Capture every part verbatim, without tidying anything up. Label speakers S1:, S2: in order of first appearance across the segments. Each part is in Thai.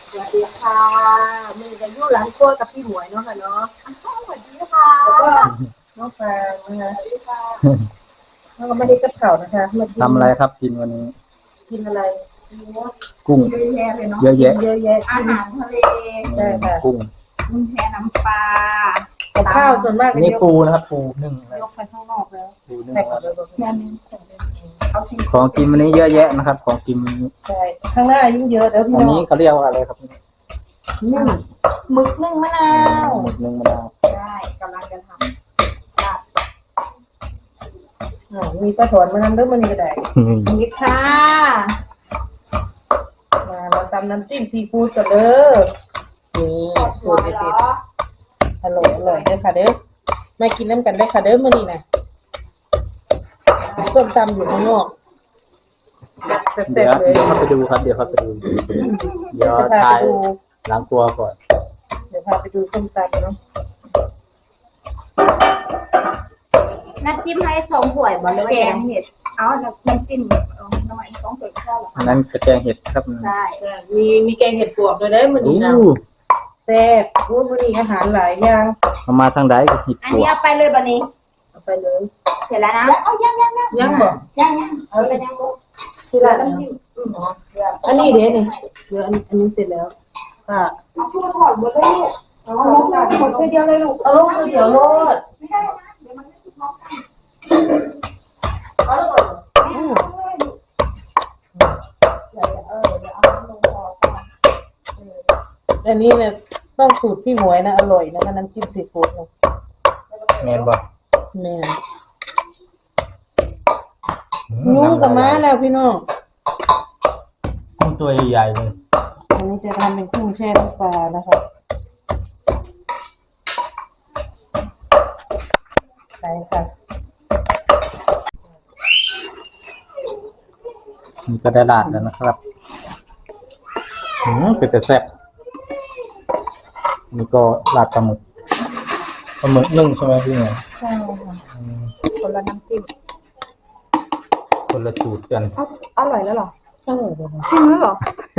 S1: สวัสดีค่ะมีจะยุ่ร้านครัวกับพี่หมวยเนาะค่ะเนาะสวัสดีค่ะแล้วก็น้องฟางนะคะสวัสดีค่ะแล้วก็ไม่ได้กับเข่านะคะ
S2: ทำอะไรครับกินวันนี้
S1: กินอะไร
S2: กุ้ง
S1: เยอะแยะเลยเนาะ
S2: เยอะแยะ
S1: เยอะแยะอาหารทะเลใช่ค่ะ
S2: กุ้ง
S1: กุ้งแช่น้ำปลากับข้าวส่วนมาก
S2: นี่ปูนะครับปูนึ่ง
S1: ยกไปข้างนอกแล้ว
S2: ปูนึ่ง
S1: แม่นี่
S2: ของกินวันนี้เยอะแยะนะครับของกิน
S1: ใช่ข้างหน้ายิ่งเยอะแล้วพี่
S2: อันนี้เขาเรียกว่าอะไรครับ
S1: นึ่งหมึกนึ่งมะนาว
S2: หมึกนึ่งมะนาว
S1: ใช่กำลังจะทำมีปลาถอนมาทำด้วยมันก็ได้นี่ค่ะมาเราตำน้ำจิ้มซีฟู้ดกันเด้อนี่สูตรเด็ดๆอร่อยอร่อยเด้อค่ะเด้อมากินน้ำกันได้ค่ะเด้อมื้อนี้นะส้มตำอยู่ข้างนอกแซ่บๆเลย
S2: เดี๋ยวเขาไปดูครับเดี๋ยวเขาไปดูเดี๋ยวถ่ายล้างตัวก่อน
S1: เดี๋ยวพาไปดูส้มตำเนาะ
S3: น้ำจิ้มให้สองถ้วยบ่หรือว่าแกงเห็ดเอาน้ำจิ้มเอาหน่อยสองถ้วยก็พอละ
S2: อันนั้นกระแจงเห็ดครับ
S3: ใช่
S1: มีมีแกงเห็ดปวกด้วยได้มื้อนี้นะแซ่บพูดมื้อนี้อาหารหลายอย่าง
S2: เอามาทางใดก็เห็ด
S3: อันนี้เอาไปเลยบัดนี้
S1: เอาไปเลย
S3: เสร็จแล้วนะเอายังยังยัง
S1: ยังบ่
S3: ยังยังเอาไปยังบ่
S1: ที่ร้านน้ำจิ้มอันนี้เด้นี่เดี๋ยวอันอันนี้เสร็จแล้วค่ะ
S3: เอาพูดถอดหมดเลยเอาลงหมดเดียวเลยลูก
S1: เอาลงเดี๋ยวโลด
S3: ไม่ได้นะเดี๋ยวมันไม่ถูกต้อง
S1: เอาลงอืม
S3: เดี๋ยวเออเดี๋ยวเอาลงพอก่อน
S1: อันนี้เนี่ยต้องสูตรพี่หมวยนะอร่อยนะคะน้ำจิ้มซีฟู้ดนะ
S2: แมนบ่
S1: แม่ยุ่งกับม้าแล้วพี่น้อง
S2: กุ้งตัวใหญ่ๆเลย
S1: อันนี้จะทำเป็นกุ้งแช่น้ำปลานะคะใช่ค่ะ
S2: นี่ก็ได้ลาดแล้วนะครับอืมเป็นแต่แซ่บนี่ก็ลาดปลาหมึกปลาหมึกนึ่งใช่ไหมพี่เนี่ย
S1: ใช่ค่ะคนละน้ำจิ้ม
S2: คนละสูตรกัน
S3: อร่อยแล้วหรอ
S1: อร่อยเลย
S3: ชิมแล้วหรอ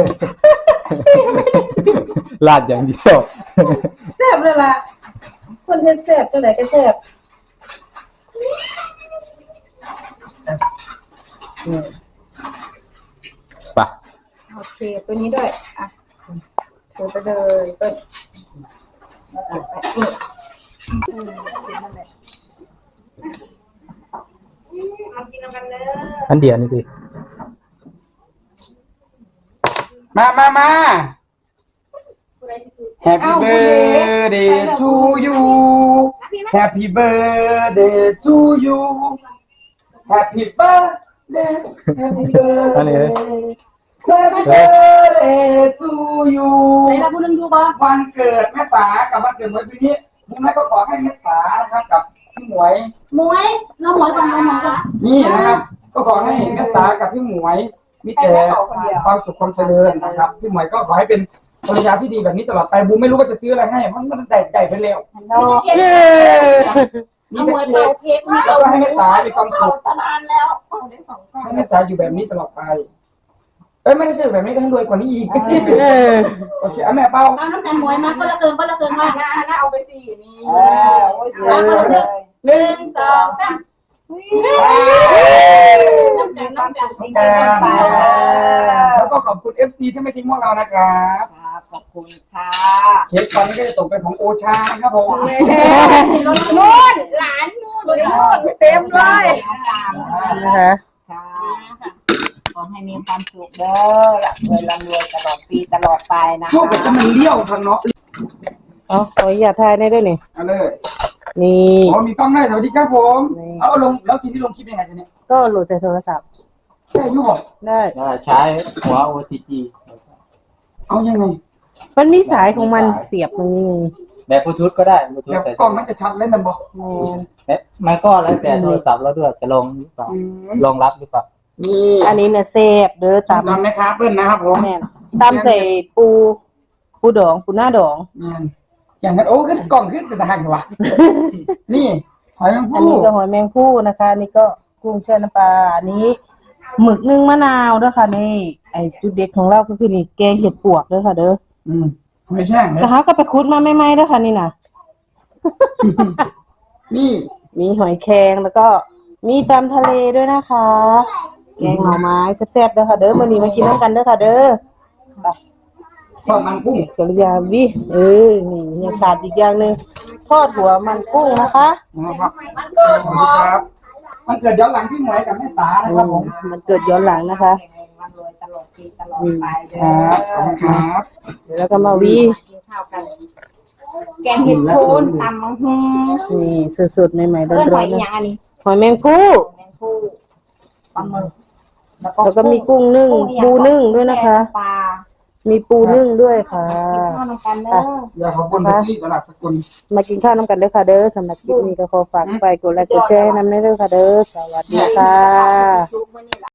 S2: ลาดอย่างเดียว
S1: แซ่บเลยล่ะคนเห็นแซ่บตัวไหนก็แซ่บ
S2: ปะ
S3: โอเคตัวนี้ด้วยอ่ะเชิญไปเลยต้นนี่เอากินกันเลย
S2: อันเดียวนี่สิ
S4: มามามา Happy birthday to you Happy birthday to you Happy birthday Happy birthday Happy birthday to you
S3: ไหนล่ะพูดเรื่องยูบ่
S4: วันเกิดแม่สากับวันเกิดหมวยปีนี้นี่แม่ก็ขอให้แม่สานะครับกับพี่หมวย
S3: หมวยน้องหมวยกับน้องหมวยจ้ะ
S4: นี่นะครับก็ขอให้แม่สากับพี่หมวยมีแต่ความสุขความเจริญนะครับพี่หมวยก็ขอให้เป็นภรรยาที่ดีแบบนี้ตลอดไปบูมไม่รู้ว่าจะซื้ออะไรให้มันมันได้ได้ไปแล้ว
S3: มีแต่เค้กเค้กมี
S4: แล้วก็ให้แม่สามีความสุข
S3: นานแล้วได้สองก้อน
S4: ให้แม่สาอยู่แบบนี้ตลอดไปเอ้ยไม่ได้ใช่แบบนี้ก็ให้รวยกว่านี้อีกโอเคเอาแม่เป้า
S3: เอาน้ำตาลหมวยมาก็ละเกินก็ละเกินมาก
S1: น่าน่าเอาไปสี่นี่
S3: มาคนละหนึ่งสองสามน้ำจันน้ำจัน
S4: แล้วก็ขอบคุณ เอฟ ซี ที่ไม่ทิ้งพวกเรานะครับ
S1: ขอบคุณค่ะ
S4: เค้กตอนนี้ก็จะตกเป็นของโอชานะครับผม
S3: นู่นหลานนู่นนู่น
S1: เต็มเลยนะคะขอให้มีความสุขเด้อร่ำรวยร่ำรวยตลอดปีตลอดไปนะ
S4: พวกแบบจะมันเลี้ยวทางเนาะ
S1: อ๋อขออย่าทายได้ด้วยนี่
S4: เอาเลย
S1: นี่
S4: อ๋อมีกล้องได้สวัสดีครับผมเอาลงแล้วทีนี้ลงคลิปยังไงทีนี้
S1: ก็โหลดใส่โทรศัพท์
S4: ได้ยุบบอก
S1: ได้
S2: ใช้หัว โอ ที จี
S4: เอายังไง
S1: มันมีสายของมันเสียบตรงนี้
S2: แบบบลูทูธก็ได้บลูทูธ
S4: ใส่กล้องมันจะชัดเลยมันบอก
S2: มันก็แล้วแต่โทรศัพท์เราด้วยจะลงหรือเปล่าลองรับหรือเปล่า
S1: นี่อันนี้เนี่ยเซฟเด้อตาม
S4: ตามนะครับเปิ้ลนะครับผม
S1: ตามใส่ปูปูดองปูหน้าดอง
S4: อย่างนั้นโอ้ขึ้นกล่องขึ้นแต่ทางเหรอวะนี่หอยแมงผู้
S1: อันนี้ก็หอยแมงผู้นะคะนี่ก็กุ้งแช่น้ำปลาอันนี้หมึกนึ่งมะนาวด้วยค่ะนี่ไอจุดเด็ดของเราก็คือนี่แกงเห็ดปวกด้วยค่ะเด้อ
S4: อืมไม่แช่งเลย
S1: นะคะก็ไปคุดมาไม่ไหมด้วยค่ะนี่นะ
S4: นี่
S1: มีหอยแครงแล้วก็มีตำทะเลด้วยนะคะแกงหน่อไม้แซ่บๆเด้อค่ะเด้อมื้อนี้มากินน้ำกันเด้อค่ะเด้อ
S4: ทอดมันกุ้ง
S1: กริยาวิเออนี่ยังขาดอีกอย่างหนึ่งทอดหัวมันกุ้งนะคะ
S4: นะครับสวัสดีครับ มันเกิดย้อนหลังพี่หมวยกับแม่สานะครับผม
S1: มันเกิดย้อนหลังนะคะ
S3: อืม
S4: ครับขอบคุณครับ
S1: เดี๋ยวเราก็มาวิ
S3: กินข้าวกัน แกงเห็ดโคนตำมังฮึม
S1: นี่สดๆใหม่ๆร้
S3: เอิ้นห
S1: อ
S3: อน ย
S1: ๆ
S3: อี
S1: นะ
S3: หยังอันนี้
S1: หอยแมงผู้
S3: แมงคู่ปลาหมึก
S1: แล้วก็มีกุ้งนึ่งปูนึ่งด้วยนะคะ
S3: ปลา
S1: มีปูนึ่งด้วยค่ะ
S3: กินข้าวน้ำกันเด้อ
S4: อยากขอบคุณที่ตลาดสกุล
S1: มากินข้าวน้ำกันเด้อค่ะเด้อสำหรับคลิปนี้ก็ขอฝากไปกดไลค์กดแชร์ให้น้ำเด้อค่ะเด้อสวัสดีค่ะ
S3: ชุบมื้อนี้ล่ะ